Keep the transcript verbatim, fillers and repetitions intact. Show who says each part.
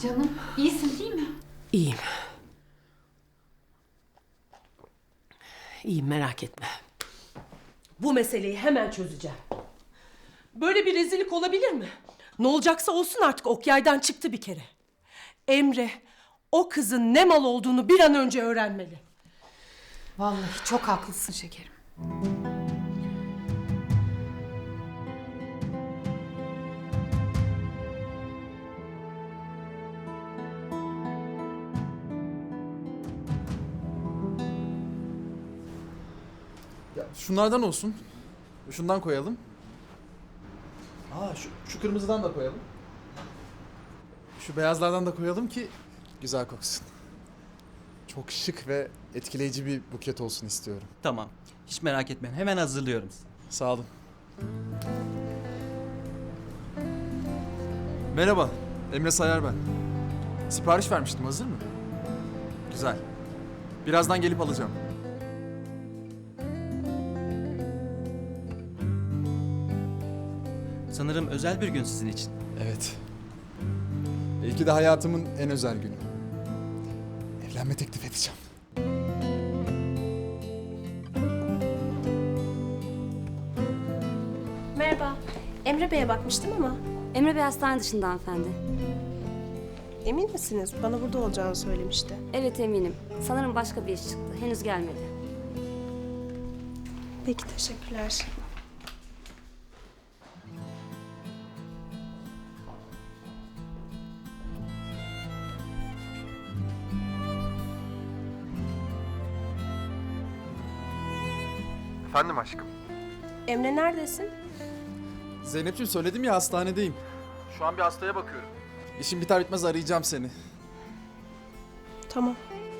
Speaker 1: Canım, iyisin değil mi?
Speaker 2: İyiyim. İyiyim, merak etme. Bu meseleyi hemen çözeceğim. Böyle bir rezillik olabilir mi? Ne olacaksa olsun artık, ok yaydan çıktı bir kere. Emre, o kızın ne mal olduğunu bir an önce öğrenmeli.
Speaker 1: Vallahi çok haklısın şekerim.
Speaker 3: Ya şunlardan olsun. Şundan koyalım. Aa şu, şu kırmızıdan da koyalım. Şu beyazlardan da koyalım ki güzel koksun. Çok şık ve etkileyici bir buket olsun istiyorum.
Speaker 4: Tamam. Hiç merak etmeyin. Hemen hazırlıyorum.
Speaker 3: Sağ olun. Merhaba, Emre Sayar ben. Sipariş vermiştim, hazır mı? Güzel. Birazdan gelip alacağım.
Speaker 4: Sanırım özel bir gün sizin için.
Speaker 3: Evet. Belki de hayatımın en özel günü. Evlenme teklif edeceğim.
Speaker 5: Merhaba. Emre Bey'e bakmıştım ama.
Speaker 6: Emre Bey hastane dışında hanımefendi.
Speaker 5: Emin misiniz? Bana burada olacağını söylemişti.
Speaker 6: Evet eminim. Sanırım başka bir iş çıktı. Henüz gelmedi.
Speaker 5: Peki, teşekkürler.
Speaker 3: Efendim aşkım.
Speaker 5: Emre neredesin?
Speaker 3: Zeynep'ciğim söyledim ya, hastanedeyim. Şu an bir hastaya bakıyorum. İşim biter bitmez arayacağım seni.
Speaker 5: Tamam.